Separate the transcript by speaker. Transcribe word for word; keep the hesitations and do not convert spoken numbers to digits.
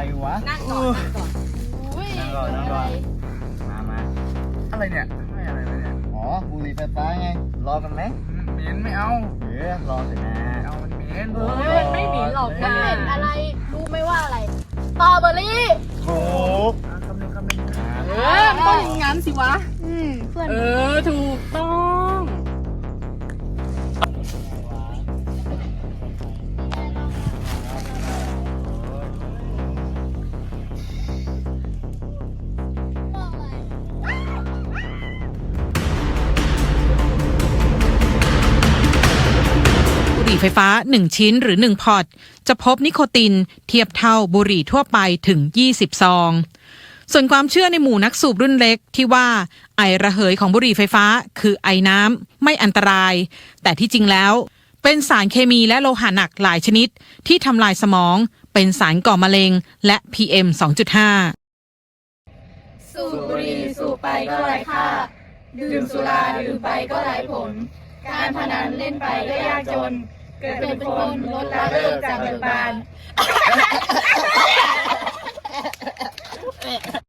Speaker 1: วะ
Speaker 2: นั่งก่อนนั่งก่อนอุ้ย
Speaker 1: นั่งก่อนนั่งก่อนมามาอะไรเนี่ยไม่อะไรเลยเนี่ยอ๋อบุหรี่ไฟฟ้าไงรอกันไหมเหม็นไม่เอาเออรอเถอะนะเอามันเหม็น
Speaker 2: เฮ้ยมันไม่หนีหรอก
Speaker 3: มัน
Speaker 2: นะ
Speaker 3: เป็นอะไรรู้ไหมว่าอะไรสตรอเบอรี่
Speaker 1: ถูกคำนึงคำนึง
Speaker 2: เออมันต้องอย่างงั้นสิวะ
Speaker 3: อืมเพื่อน
Speaker 2: เออถูกต้อง
Speaker 4: บุหรี่ไฟฟ้าหนึ่งชิ้นหรือหนึ่งพอร์ตจะพบนิโคตินเทียบเท่าบุหรี่ทั่วไปถึงยี่สิบซองส่วนความเชื่อในหมู่นักสูบรุ่นเล็กที่ว่าไอระเหยของบุหรี่ไฟฟ้าคือไอน้ำไม่อันตรายแต่ที่จริงแล้วเป็นสารเคมีและโลหะหนักหลายชนิดที่ทำลายสมองเป็นสารก่อมะเร็งและ พี เอ็ม สองจุดห้า
Speaker 3: สูบบุหรี่สูบไปก็ไร้ค่าดื่มสุราดื่มไปก็ไร้ผล การพนันเล่นไปก็ยากจน เกิดเป็นคนลดละเลิกจากเบิกบาน